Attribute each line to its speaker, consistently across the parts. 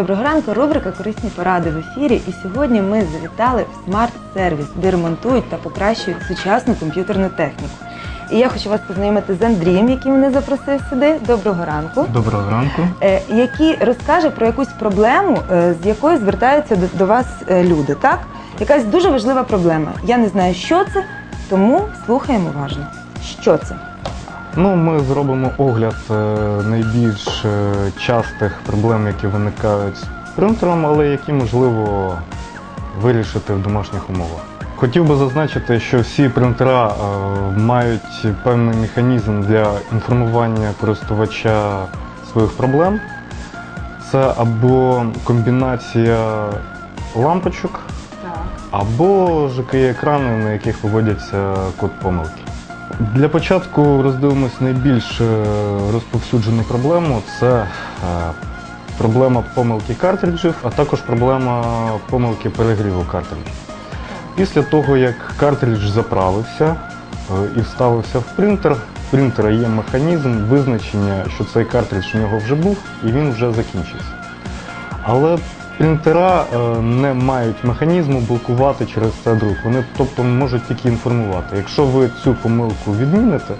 Speaker 1: Доброго ранку, рубрика «Корисні поради» в ефірі. І сьогодні ми завітали в смарт-сервіс, де ремонтують та покращують сучасну комп'ютерну техніку. І я хочу вас познайомити з Андрієм, який мене запросив сюди. Доброго ранку.
Speaker 2: Доброго ранку.
Speaker 1: Який розкаже про якусь проблему, з якою звертаються до вас люди, так? Якась дуже важлива проблема. Я не знаю, що це, тому слухаємо уважно. Що це?
Speaker 2: Ми зробимо огляд найбільш частих проблем, які виникають з принтером, але які можливо вирішити в домашніх умовах. Хотів би зазначити, що всі принтера мають певний механізм для інформування користувача своїх проблем. Це або комбінація лампочок, або ЖКІ-екрани, на яких виводяться код помилки. Для початку роздивимось найбільш розповсюджену проблему. Це проблема помилки картриджів, а також проблема помилки перегріву картриджів. Після того, як картридж заправився і вставився в принтер, в принтера є механізм визначення, що цей картридж у нього вже був і він вже закінчився. Але принтера не мають механізму блокувати через це друк. Вони, тобто, можуть тільки інформувати. Якщо ви цю помилку відміните,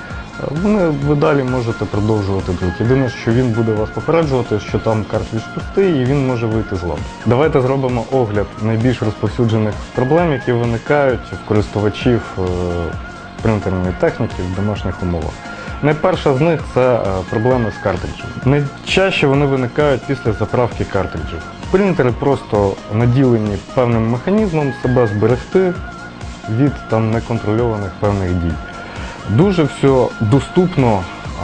Speaker 2: ви далі можете продовжувати друк. Єдине, що він буде вас попереджувати, що там картридж пустий і він може вийти з ладу. Давайте зробимо огляд найбільш розповсюджених проблем, які виникають в користувачів принтерної техніки в домашніх умовах. Найперша з них – це проблеми з картриджем. Найчастіше вони виникають після заправки картриджів. Принтери просто наділені певним механізмом себе зберегти від неконтрольованих певних дій. Дуже все доступно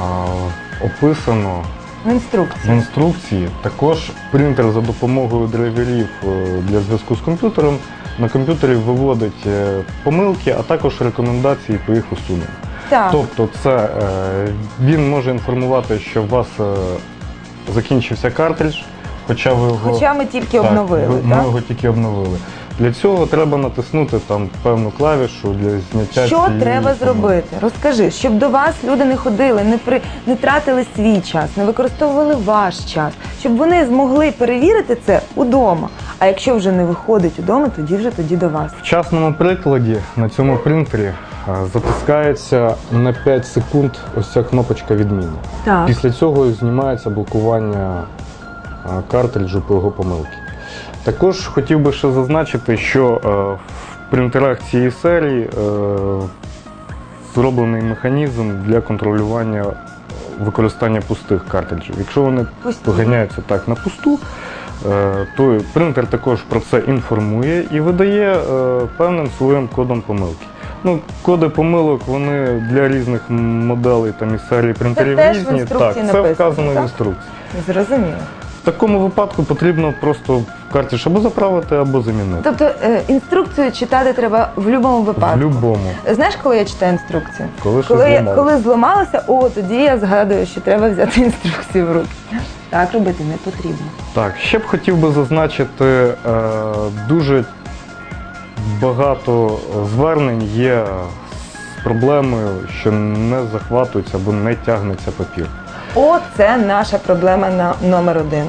Speaker 2: описано в інструкції. Також принтер за допомогою драйверів для зв'язку з комп'ютером на комп'ютері виводить помилки, а також рекомендації по їх усуненню. Тобто він може інформувати, що у вас закінчився картридж, хоча
Speaker 1: ми тільки обновили.
Speaker 2: Ми його тільки обновили. Для цього треба натиснути певну клавішу для зняття.
Speaker 1: Що треба зробити? Розкажи, щоб до вас люди не ходили, не тратили свій час, не використовували ваш час, щоб вони змогли перевірити це удома. А якщо вже не виходить удома, тоді до вас.
Speaker 2: В частному прикладі на цьому принтері затискається на 5 секунд ось ця кнопочка відміни. Після цього знімається блокування картриджу по його помилки. Також хотів би ще зазначити, що в принтерах цієї серії зроблений механізм для контролювання використання пустих картриджів. Якщо вони поганяються на пусту, то принтер також про це інформує і видає певним своїм кодом помилки. Коди помилок, вони для різних моделей із серії принтерів різні. Це вказано в інструкції.
Speaker 1: Зрозуміло.
Speaker 2: В такому випадку потрібно просто картридж або заправити, або замінити.
Speaker 1: Тобто інструкцію читати треба в будь-якому випадку?
Speaker 2: В будь-якому.
Speaker 1: Знаєш, коли я читаю інструкцію?
Speaker 2: Коли
Speaker 1: зламалося, тоді я згадую, що треба взяти інструкцію в руки. Так робити не потрібно.
Speaker 2: Так, ще б хотів би зазначити, дуже багато звернень є з проблемою, що не захватується або не тягнеться папір.
Speaker 1: Це наша проблема номер 1.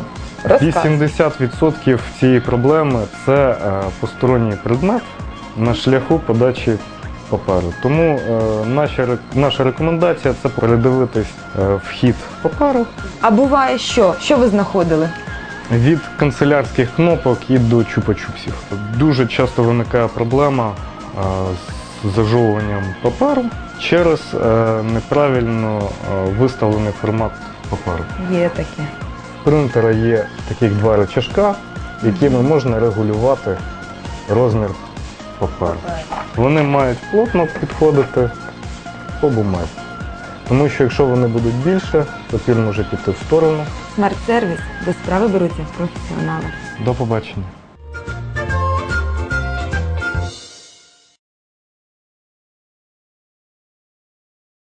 Speaker 2: 80% цієї проблеми – це посторонній предмет на шляху подачі паперу. Тому наша рекомендація – це передивитись вхід паперу. А
Speaker 1: буває що? Що ви знаходили?
Speaker 2: Від канцелярських кнопок і до чупа-чупсів. Дуже часто виникає проблема з зажовуванням паперу через неправильно виставлений формат паперу.
Speaker 1: Є таке.
Speaker 2: В принтера є таких 2 рычажка, якими можна регулювати розмір паперу. Вони мають плотно підходити по бумазі. Тому що якщо вони будуть більше, папір може піти в сторону.
Speaker 1: Смарт-сервіс, до справи беруться професіонали.
Speaker 2: До побачення.